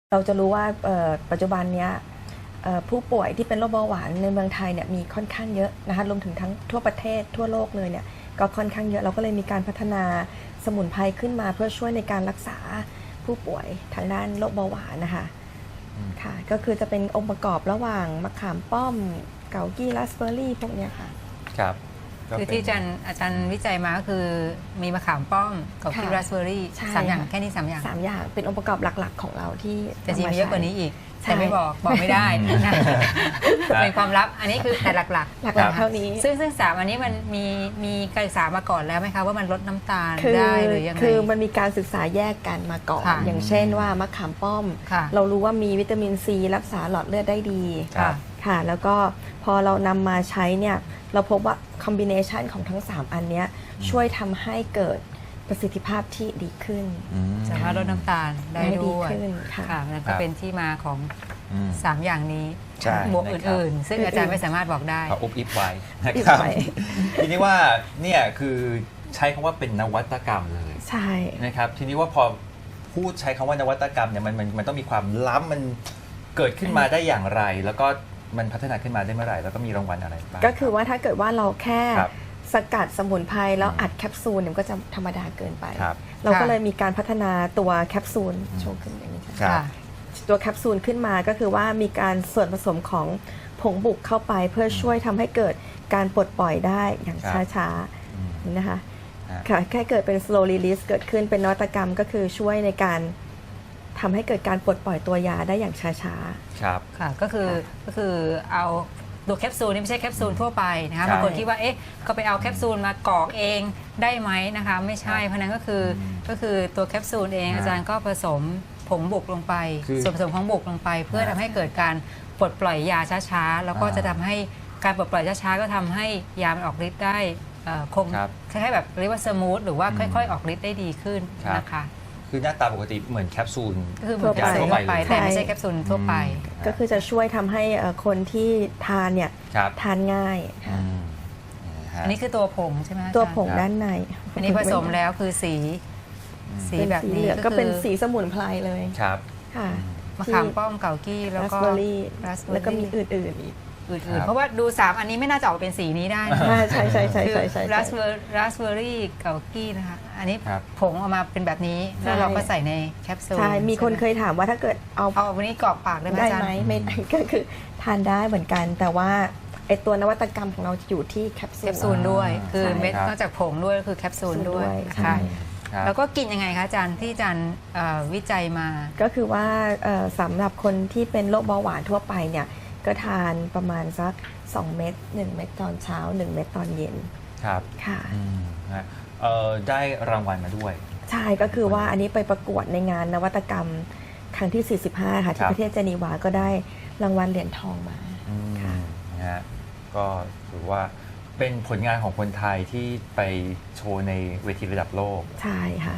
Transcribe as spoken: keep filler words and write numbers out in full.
เราจะรู้ว่าปัจจุบันนี้ผู้ป่วยที่เป็นโรคเบาหวานในเมืองไทยเนี่ยมีค่อนข้างเยอะนะคะรวมถึงทั้งทั่วประเทศทั่วโลกเลยเนี่ยก็ค่อนข้างเยอะเราก็เลยมีการพัฒนาสมุนไพรขึ้นมาเพื่อช่วยในการรักษาผู้ป่วยทางด้านโรคเบาหวานนะคะค่ะก็คือจะเป็นองค์ประกอบระหว่างมะขามป้อมเกากี้ราสเบอร์รี่พวกเนี้ยค่ะครับคือที่อาจารย์อาจารย์วิจัยมาก็คือมีมะขามป้อมกับกี้ราสเบอร์รี่สามอย่างแค่นี้สามอย่างสามอย่างเป็นองค์ประกอบหลักๆของเราที่แต่จริงมีเยอะกว่านี้อีกแต่ไม่บอกบอกไม่ได้นะเป็นความลับอันนี้คือแต่หลักๆหลักๆเท่านี้ซึ่งซึ่งสามอันนี้มันมีมีการศึกษามาก่อนแล้วไหมคะว่ามันลดน้ำตาลได้หรือยังไงคือมันมีการศึกษาแยกกันมาก่อนอย่างเช่นว่ามะขามป้อมเรารู้ว่ามีวิตามินซีรักษาหลอดเลือดได้ดีค่ะแล้วก็พอเรานำมาใช้เนี่ยเราพบว่าคอมบิเนชันของทั้งสามอันนี้ช่วยทำให้เกิดประสิทธิภาพที่ดีขึ้นสามารถลดน้ำตาลได้ด้วยค่ะนั่นก็เป็นที่มาของสามอย่างนี้บวกอื่นๆซึ่งอาจารย์ไม่สามารถบอกได้เขาอุบอิบไว้นะครับทีนี้ว่าเนี่ยคือใช้คำว่าเป็นนวัตกรรมเลยใช่นะครับทีนี้ว่าพอพูดใช้คำว่านวัตกรรมเนี่ยมันมันมันต้องมีความล้ำมันเกิดขึ้นมาได้อย่างไรแล้วก็มันพัฒนาขึ้นมาได้เมื่อไหร่แล้วก็มีรางวัลอะไรบ้างก็คือว่าถ้าเกิดว่าเราแค่สกัดสมุนไพรแล้วอัดแคปซูลเนี่ยก็จะธรรมดาเกินไปเราก็เลยมีการพัฒนาตัวแคปซูลโชว์ขึ้นอย่างนี้ค่ะตัวแคปซูลขึ้นมาก็คือว่ามีการส่วนผสมของผงบุกเข้าไปเพื่อช่วยทำให้เกิดการปลดปล่อยได้อย่างช้าๆนะคะค่ะแค่เกิดเป็น slow release เกิดขึ้นเป็นนวัตกรรมก็คือช่วยในการทำให้เกิดการปลดปล่อยตัวยาได้อย่างช้าๆครับค่ะก็คือก็คือเอาตัวแคปซูลนี่ไม่ใช่แคปซูลทั่วไปนะคะบางคนคิดว่าเอ๊ะก็ไปเอาแคปซูลมากรอกเองได้ไหมนะคะไม่ใช่เพราะนั้นก็คือก็คือตัวแคปซูลเองอาจารย์ก็ผสมผงบุกลงไปส่วนผสมของบุกลงไปเพื่อทำให้เกิดการปลดปล่อยยาช้าๆแล้วก็จะทำให้การปลดปล่อยช้าๆก็ทำให้ยามันออกฤทธิ์ได้คงคล้ายๆแบบเรียกว่าสมูทหรือว่าค่อยๆออกฤทธิ์ได้ดีขึ้นนะคะคือหน้าตาปกติเหมือนแคปซูลคือเหมือนยาทั่วไปแต่ไม่ใช่แคปซูลทั่วไปก็คือจะช่วยทำให้คนที่ทานเนี่ยทานง่ายอันนี้คือตัวผงใช่ไหมตัวผงด้านในอันนี้ผสมแล้วคือสีสีแบบนี้ก็เป็นสีสมุนไพรเลยครับค่ะมะขามป้อมเกากี้แล้วก็แล้วก็มีอื่นๆอีกอื่นๆเพราะว่าดูสามอันนี้ไม่น่าจะออกเป็นสีนี้ได้ใช่ใช่ใช่ใช่ใช่ใช่ราสเบอร์ราสเบอร์รี่เกากี้นะคะอันนี้ผงออกมาเป็นแบบนี้แล้วเราก็ใส่ในแคปซูลใช่มีคนเคยถามว่าถ้าเกิดเอาเอาวันนี้กรอกปากได้ไหมได้ไหมไม่ก็คือทานได้เหมือนกันแต่ว่าไอตัวนวัตกรรมของเราจะอยู่ที่แคปซูลด้วยคือเม็ดนอกจากผงด้วยคือแคปซูลด้วยค่ะแล้วก็กินยังไงคะอาจารย์ที่อาจารย์วิจัยมาก็คือว่าสำหรับคนที่เป็นโรคเบาหวานทั่วไปเนี่ยก็ทานประมาณสักสองเม็ดหนึ่งเม็ดตอนเช้าหนึ่งเม็ดตอนเย็นครับค่ะได้รางวัลมาด้วยใช่ก็คือว่าอันนี้ไปประกวดในงานนวัตกรรมครั้งที่สี่สิบห้าค่ะที่ประเทศเจนีวาก็ได้รางวัลเหรียญทองมาค่ะนะฮะก็ถือว่าเป็นผลงานของคนไทยที่ไปโชว์ในเวทีระดับโลกใช่ค่ะ